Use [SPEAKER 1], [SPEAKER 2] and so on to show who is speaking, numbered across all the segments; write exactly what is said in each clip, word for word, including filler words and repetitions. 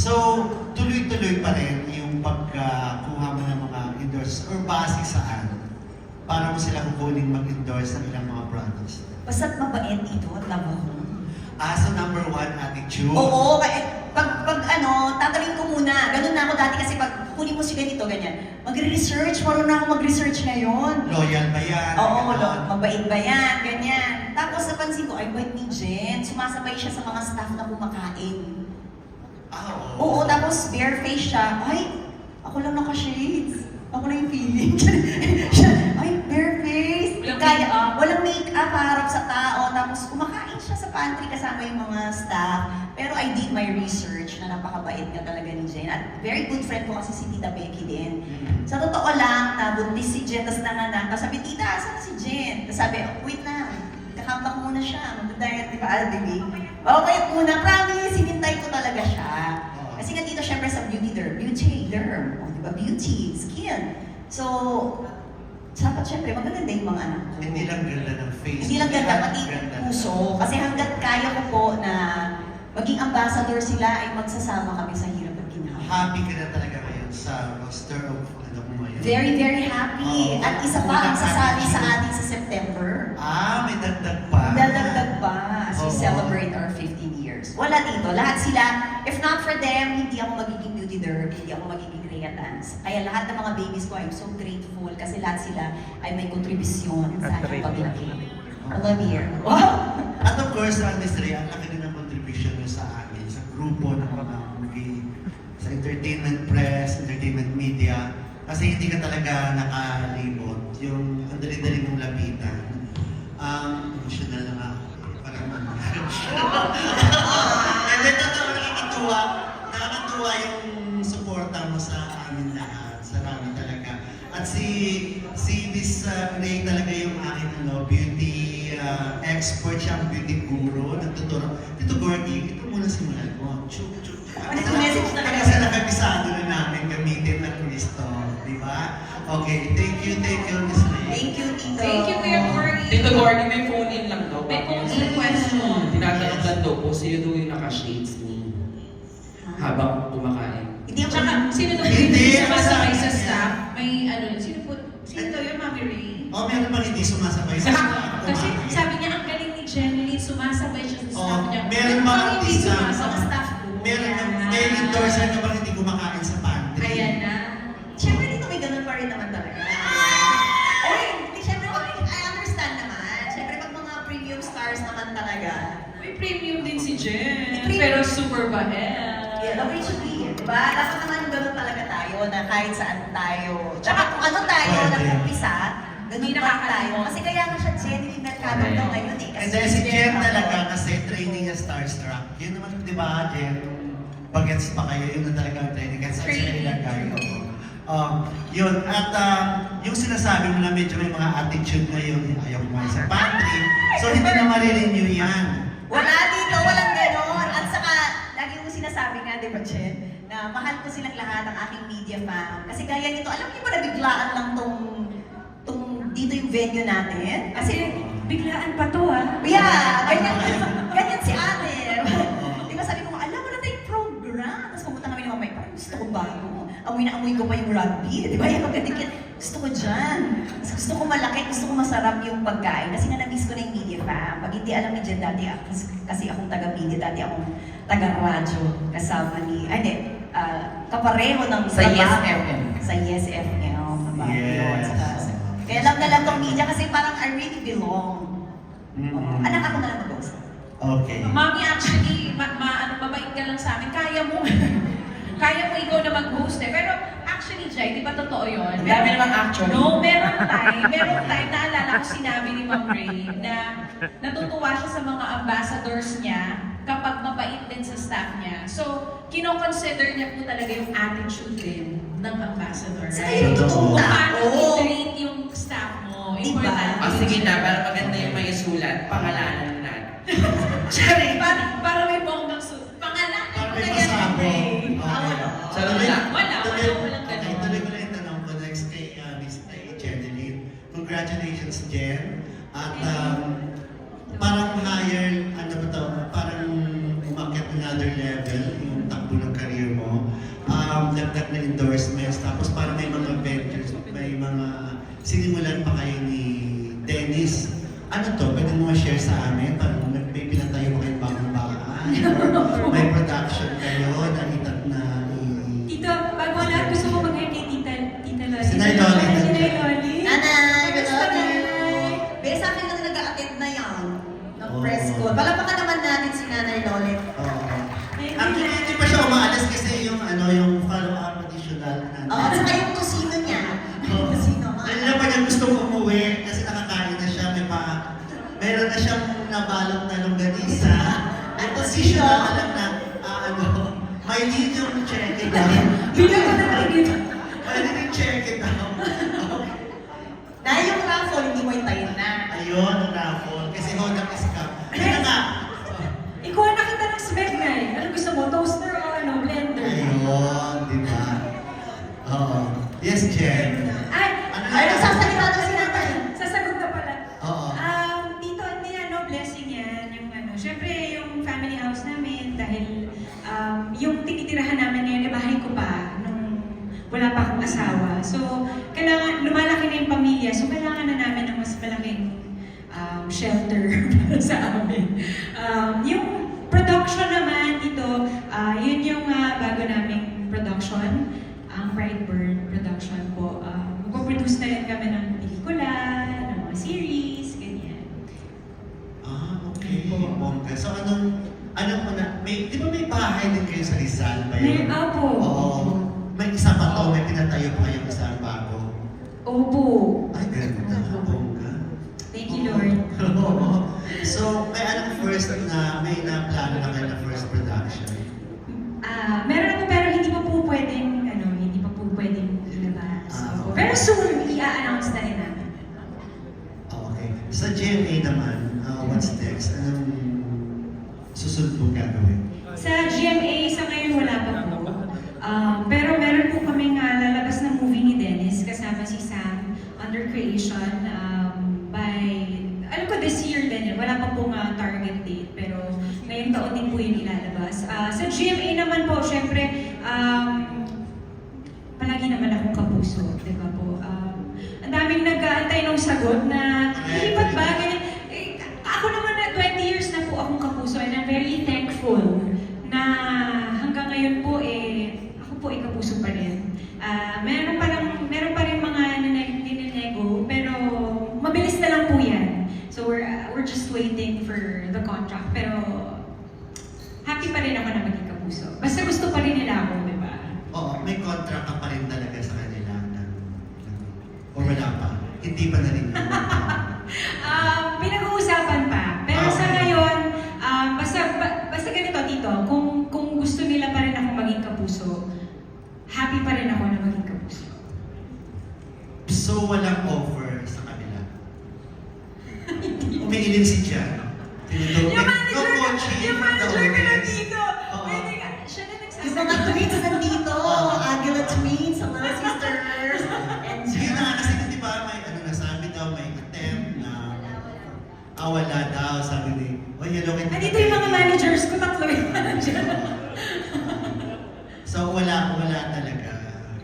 [SPEAKER 1] So, tuloy-tuloy pa rin yung pagkuha mo ng mga endorse or base saan para mo sila kukunin mag-endorse ng ilang mga products.
[SPEAKER 2] Basta't mabait ito at labo ko.
[SPEAKER 1] Ah, so number one, attitude.
[SPEAKER 2] Oo, kaya pag, pag ano, tatanungin ko muna. Ganun na ako dati kasi pag kunin mo si ganito, ganyan. Magre-research, marunong na ako mag-research ngayon.
[SPEAKER 1] Loyal ba yan?
[SPEAKER 2] Oo,
[SPEAKER 1] Ganon.
[SPEAKER 2] lo, mabait ba yan, ganyan. Tapos napansin ko, ay bait ni Jen, sumasabay siya sa mga staff na kumakain.
[SPEAKER 1] Ah,
[SPEAKER 2] Oo, tapos bare face siya. Ay, ako lang naka-shades. Ako na yung feeling. Siya, ay, bare face.
[SPEAKER 3] Walang
[SPEAKER 2] Kaya,
[SPEAKER 3] make-up.
[SPEAKER 2] walang make-up, harap sa tao. Tapos kumakain siya sa pantry kasama yung mga staff. Pero I did my research na napakabait nga talaga ni Jen. At very good friend ko kasi si Tita Becky din.
[SPEAKER 1] Mm.
[SPEAKER 2] Sa totoo lang, nabuntis si Jen, tapos nanganak. Tapos sabi, Tita, saan na si Jen? Tapos sabi, oh, wait na. Kakambak muna siya. Magda-diet, di ba, Albibi? Okay, muna. Promise, hinintay ko talaga siya. Kasi nga dito, syempre sa beauty derm. Beauty derm. O, di ba? Beauty, skin. So, dapat syempre, magaganda yung mga anak ko.
[SPEAKER 1] Hindi lang ganda ng face.
[SPEAKER 2] Hindi lang ganda, pati
[SPEAKER 1] Ganda.
[SPEAKER 2] puso. Kasi hanggat kaya ko po na maging ambassador sila, ay magsasama kami sa hirap at ginhawa.
[SPEAKER 1] Happy ka na talaga ngayon sa roster of ano mo ngayon.
[SPEAKER 2] Very, very happy.
[SPEAKER 1] Oo.
[SPEAKER 2] At isa pa ang sasabi sa atin sa September.
[SPEAKER 1] Ah, may dagdag pa.
[SPEAKER 2] Dadagdag pa as we
[SPEAKER 1] Oo.
[SPEAKER 2] celebrate our fifteen years. Wala dito. Lahat sila, if not for them, hindi ako magiging beauty derm, hindi ako magiging Creatans. Kaya lahat ng mga babies ko, I'm so grateful kasi lahat sila ay may kontribusyon sa aking paglaki. I love you. Wow!
[SPEAKER 1] At of course, uh, Miss Rhea, ang laki din ng contribution nyo sa amin, sa grupo ng mga movie, sa entertainment press, entertainment media. Kasi hindi ka talaga nakalibot. Yung ang dali-dali mong lapitan. Um, emotional na nga ako. Parang ano. And then, totoo, nakakatuwa. Nakakatuwa yung suporta mo sa amin lahat. Salamat talaga. At si si Miss uh, Ray talaga yung aking ano, beauty uh, expert siya, ang beauty guru. Nagtuturo. Tito Gordy, ito muna simulan mo. Chuk, chuk.
[SPEAKER 2] Nag-message na kayo.
[SPEAKER 1] Kasi nakabisado na namin gamitin ng Cristo. Di ba? Okay, thank you, thank you, Miss Ray.
[SPEAKER 2] Thank you, Tito.
[SPEAKER 3] Thank you, Kuya Cory.
[SPEAKER 4] Tito Gordy, may phone-in lang daw.
[SPEAKER 3] May phone-in question.
[SPEAKER 4] Tinatanong lang daw po, sino daw yung naka-shades ni habang kumakain?
[SPEAKER 2] Hindi ako
[SPEAKER 3] Tsaka, sino daw
[SPEAKER 1] Hindi,
[SPEAKER 3] yung sumasabay sa
[SPEAKER 1] kasama
[SPEAKER 3] staff? May ano, sino po, sino daw yun, Mami Ray?
[SPEAKER 1] Oh, meron pa hindi sumasabay sa staff.
[SPEAKER 3] Kasi
[SPEAKER 1] kumain.
[SPEAKER 3] sabi niya, ang galing ni Jeneline, sumasabay siya sa staff
[SPEAKER 1] Oh,
[SPEAKER 3] niya.
[SPEAKER 1] meron
[SPEAKER 3] Pero
[SPEAKER 1] mga
[SPEAKER 3] bakit hindi
[SPEAKER 1] artista,
[SPEAKER 3] sumasabay?
[SPEAKER 2] Mga staff ko.
[SPEAKER 1] Meron,
[SPEAKER 3] Ayan.
[SPEAKER 1] may endorser na bang hindi kumakain sa pantry?
[SPEAKER 3] Ayan na.
[SPEAKER 2] Siyempre dito may ganun pa rin naman talaga. Oy, hindi siyempre, I understand naman. Siyempre pag mga premium stars naman talaga.
[SPEAKER 3] May premium din si Jen.
[SPEAKER 2] Premium.
[SPEAKER 3] Pero super bahel.
[SPEAKER 2] Yeah, the way it should be. Diba? Dapat naman ganun talaga tayo na kahit saan tayo. Tsaka kung ano tayo
[SPEAKER 1] Pwede.
[SPEAKER 2] nag-umpisa, ganun
[SPEAKER 3] Hindi
[SPEAKER 2] pa tayo.
[SPEAKER 3] nakakalimutan.
[SPEAKER 2] Kasi kaya nga siya Jenny Mercado
[SPEAKER 4] Correct.
[SPEAKER 2] daw ngayon eh. Kasi
[SPEAKER 1] And then si Jen
[SPEAKER 2] ako.
[SPEAKER 1] talaga kasi training niya Starstruck. Yun naman, di ba, Jen? Bagets pa kayo, yun na talaga ang training. Kasi saan sila
[SPEAKER 3] Training.
[SPEAKER 1] ilagay. Oo. Um, yun, at um, yung sinasabi mo na medyo may mga attitude ngayon, ayaw kumain sa pantry. So hindi na marirenew yan.
[SPEAKER 2] Wala dito, walang ganon. At saka, lagi mo sinasabi nga, di ba, Jen, na mahal ko silang lahat ang aking media fam. Kasi gaya nito, alam niyo ba na biglaan lang tong, tong dito yung venue natin? Kasi,
[SPEAKER 3] Biglaan pa to ah.
[SPEAKER 2] yeah, ganyan, ganyan si ate. Di ba sabi ko, alam mo na tayong program. Tapos pumunta kami ni Mamay, parang gusto ko bago. Amoy na amoy ko pa yung rugby. Di ba? Yung pagkadikit, gusto ko dyan. Mas gusto ko malaki, gusto ko masarap yung pagkain. Kasi nga na-miss ko na yung media fam. Pag hindi alam ni Jen dati, ako- kasi, kasi akong taga-media, dati akong taga-radyo. Kasama ni, ay hindi, ah, kapareho ng
[SPEAKER 4] Sa
[SPEAKER 2] trabaho.
[SPEAKER 4] Yes F M.
[SPEAKER 2] Sa Yes F M. na bago
[SPEAKER 1] Yes.
[SPEAKER 2] yun. Saka- Kaya alam na lang tong media kasi parang I really belong.
[SPEAKER 1] Mm-mm.
[SPEAKER 2] Anak ako na lang mag-host.
[SPEAKER 1] Okay.
[SPEAKER 3] Mami, actually, ma, ma ano, mabait ka lang sa amin. Kaya mo. Kaya mo ikaw na mag-host eh. Pero actually, Jai, di ba totoo yun?
[SPEAKER 4] Ang dami namang actually.
[SPEAKER 3] No, meron time. Meron time, naalala ko sinabi ni Ma'am Ray na natutuwa siya sa mga ambassadors niya kapag mabait din sa staff niya. So, kino-consider niya po talaga yung attitude din ng ambassador.
[SPEAKER 2] Saka
[SPEAKER 3] Right?
[SPEAKER 2] yung totoong
[SPEAKER 3] Kung paano
[SPEAKER 2] tao.
[SPEAKER 3] i-treat yung staff mo.
[SPEAKER 2] Diba?
[SPEAKER 3] Importante.
[SPEAKER 4] Ah, sige na, para maganda yung may sulat, pangalanan na.
[SPEAKER 3] Sorry, para, para may bonggang su... Pangalan
[SPEAKER 1] Para
[SPEAKER 3] ko
[SPEAKER 1] may
[SPEAKER 3] na yan,
[SPEAKER 1] masabog.
[SPEAKER 3] Ray.
[SPEAKER 1] Okay.
[SPEAKER 3] Ah, wala.
[SPEAKER 4] Sarap
[SPEAKER 1] Tuloy-
[SPEAKER 4] lang.
[SPEAKER 3] Wala,
[SPEAKER 1] tuloy-
[SPEAKER 3] wala, walang
[SPEAKER 1] Okay,
[SPEAKER 3] ganun.
[SPEAKER 1] tuloy ko na yung tanong ko next kay uh, Miss kay Jeneline. Congratulations, Jen. At um, parang higher, ano ba to, parang umakyat another level yung takbo ng career mo. um, dagdag na endorsements, tapos parang may mga ventures, may mga sinimulan pa kayo ni Dennis. Ano to? Pwede mo ma-share sa amin? Parang may pinatayo pa kayong bagong bahay? Or may production kayo na itat na i-
[SPEAKER 5] Tito, bago ang lahat, gusto ko mag-hi kay Tita, Tita Loli.
[SPEAKER 1] Si Nay Loli.
[SPEAKER 5] Si Nay Loli.
[SPEAKER 2] Nanay, good
[SPEAKER 5] Kamusta,
[SPEAKER 2] morning!
[SPEAKER 5] Nay?
[SPEAKER 2] Bea, sa akin lang nag-a-attend na yan. Ng
[SPEAKER 1] Oo.
[SPEAKER 2] press ko. Palapakan naman natin si Nanay Lolet.
[SPEAKER 1] Oo.
[SPEAKER 5] Thank you,
[SPEAKER 1] Actually,
[SPEAKER 5] Nay.
[SPEAKER 1] hindi pa siya umaalis kasi yung ano, yung follow-up additional na
[SPEAKER 2] Oo, at saka yung kusino niya. Yung kusino, mga
[SPEAKER 1] Alam na pa niya gusto umuwi kasi nakakain na siya, may pa, meron na siyang nabalot na longganisa. At position na alam na, ah, ano, may lead yung check it out.
[SPEAKER 5] Bilang ko na dito.
[SPEAKER 1] May lead yung check it out.
[SPEAKER 2] Na yung raffle, hindi mo hintayin na.
[SPEAKER 1] Ayun, ang raffle. Kasi Honda is ka. Ayun na nga.
[SPEAKER 5] Ikaw ang nakita ng smeg, Nay. Ano gusto mo? Toaster o ano? Blender?
[SPEAKER 1] Ayun, di ba? Oo. Yes, Jen.
[SPEAKER 5] Ay,
[SPEAKER 1] Ano
[SPEAKER 2] Ay,
[SPEAKER 1] na?
[SPEAKER 2] nagsasalita na si Nanay.
[SPEAKER 5] sasagot na pala.
[SPEAKER 1] Oo.
[SPEAKER 5] Um, Tito, hindi ano, blessing yan. Yung ano, syempre yung family house namin dahil um, yung tinitirahan namin ngayon, eh, bahay ko pa nung wala pa akong asawa. So, kailangan, lumalaki na yung pamilya. So, kailangan na namin ng mas malaking um, shelter para sa amin. Um, yung production naman dito, ah, yun yung ah, bago naming production, ang Brightburn production po. Um, Magpo-produce na rin kami ng pelikula, ng mga series, ganyan.
[SPEAKER 1] Ah, okay. Bongga. So, anong, anong una, may, di ba may bahay din kayo sa Rizal ba
[SPEAKER 5] May,
[SPEAKER 1] yun?
[SPEAKER 5] opo.
[SPEAKER 1] Oo. May isa pa to, may pinatayo pa kayong isang bago.
[SPEAKER 5] Opo.
[SPEAKER 1] Ay, ganda. Bongga.
[SPEAKER 5] Thank you, Lord.
[SPEAKER 1] Oo. So, may anong first na, may na-plano na kayo na first production?
[SPEAKER 5] Ah, meron ako pero hindi pa po pwedeng, ano, hindi pa po pwedeng ilabas.
[SPEAKER 1] Ah,
[SPEAKER 5] Opo.
[SPEAKER 1] okay.
[SPEAKER 5] Pero soon, i-announce na rin namin.
[SPEAKER 1] Ah, okay. Sa G M A naman, uh, what's next? Anong susunod mong gagawin?
[SPEAKER 5] Sa G M A, sa ngayon wala pa po. Um, pero meron po kaming uh, lalabas na movie ni Dennis kasama si Sam under creation um, by, alam ko this year din yun. Wala pa pong uh, target date pero ngayong taon din po yun ilalabas. Uh, sa G M A naman po, syempre, um, palagi naman akong kapuso, di ba po? Um, ang daming nag-aantay ng sagot na, lipat ba? Ganyan. Eh, ako naman na twenty years na po akong kapuso and I'm very thankful na hanggang ngayon po eh, ako po ay kapuso pa rin. Ah, meron pa lang, meron pa rin mga nineg- ninego, pero mabilis na lang po yan. So we're, uh, we're just waiting for the contract. Pero happy pa rin ako na maging kapuso. Basta gusto pa rin nila ako, di ba?
[SPEAKER 1] Oo, may contract ka pa rin talaga sa kanila. Na, o wala pa? Hindi pa narinig.
[SPEAKER 5] Um, pinag-uusapan pa. Pero sa
[SPEAKER 1] Okay.
[SPEAKER 5] ngayon, um, basta, ba- basta ganito, Tito, kung, kung gusto nila pa rin ako maging kapuso, happy pa rin ako na maging kapuso.
[SPEAKER 1] So, walang offer sa kanila. Umiiling si Jan. Tinuturo.
[SPEAKER 5] Yung manager,
[SPEAKER 1] No coaching
[SPEAKER 5] yung
[SPEAKER 1] from the
[SPEAKER 5] manager ka na
[SPEAKER 1] audience.
[SPEAKER 5] dito.
[SPEAKER 1] Oo.
[SPEAKER 5] Pwede ka, siya na
[SPEAKER 2] Yung
[SPEAKER 5] nagsasabi.
[SPEAKER 2] mga tweets nandito. Aguila tweets, hello sisters. And
[SPEAKER 1] Sige na nga, kasi di ba may ano na sabi daw, may attempt na ah, wala daw, sabi ni, oh, hello, kita.
[SPEAKER 5] Andito yung mga managers ko, tatlo yung manager.
[SPEAKER 1] So, wala, wala talaga.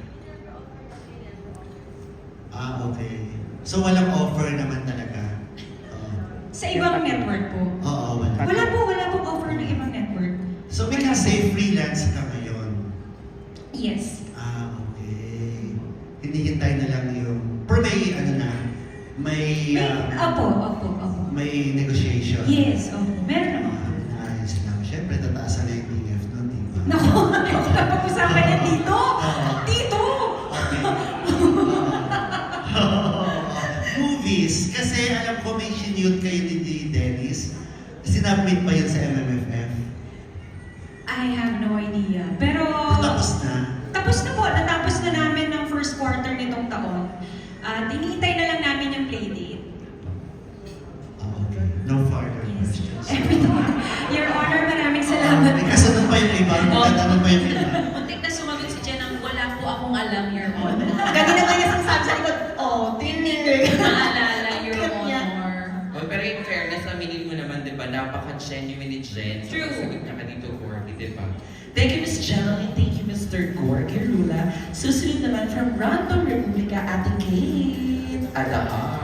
[SPEAKER 1] Ah, okay. So, walang offer naman talaga. Oo.
[SPEAKER 5] Sa ibang network po.
[SPEAKER 1] Oo, wala.
[SPEAKER 5] Wala po, wala po offer ng ibang network.
[SPEAKER 1] So, we can say freelance ka ngayon.
[SPEAKER 5] Yes.
[SPEAKER 1] Ah, okay. Hinihintay na lang yung, pero may, ano na, may,
[SPEAKER 5] May,
[SPEAKER 1] ah,
[SPEAKER 5] opo, opo, opo.
[SPEAKER 1] may negotiation.
[SPEAKER 5] Yes, opo. Meron naman.
[SPEAKER 1] Ah, ayos lang. Siyempre, tataasan na yung T F nun, di ba?
[SPEAKER 5] Naku, ito na pag-usapan niya dito.
[SPEAKER 1] Oo.
[SPEAKER 5] Dito!
[SPEAKER 1] Okay. Movies. Kasi alam ko may sinute kayo ni ni Dennis. Sinabmit pa yun sa M M F F.
[SPEAKER 5] I have no idea. Pero...
[SPEAKER 1] Tapos na.
[SPEAKER 5] Tapos na po. Natapos na namin ng first quarter nitong taon. At iniintay na lang namin yung playdate.
[SPEAKER 1] Ah, okay. No further
[SPEAKER 5] Yes.
[SPEAKER 1] questions.
[SPEAKER 5] Your Honor, maraming
[SPEAKER 1] Ah,
[SPEAKER 5] salamat.
[SPEAKER 1] may kasunod pa yung iba. May tatanong pa yung iba.
[SPEAKER 3] Muntik na sumagot si Jen ang wala po akong alam, Your Honor.
[SPEAKER 2] kanina ba yung sinasabi sa likod? Oh, tinig.
[SPEAKER 3] Maalala, Your
[SPEAKER 2] Cute niya.
[SPEAKER 3] Honor.
[SPEAKER 4] Oh, pero in fairness, aminin mo naman, di ba, napaka-genuine ni Jen.
[SPEAKER 3] True.
[SPEAKER 4] Sagot niya ka dito, Gorky, di ba? Thank you, Miss Jelly. Thank you, Mister Gorky.
[SPEAKER 6] Rula. Susunod naman from Random Republica, Ate Kate.
[SPEAKER 4] Adaha.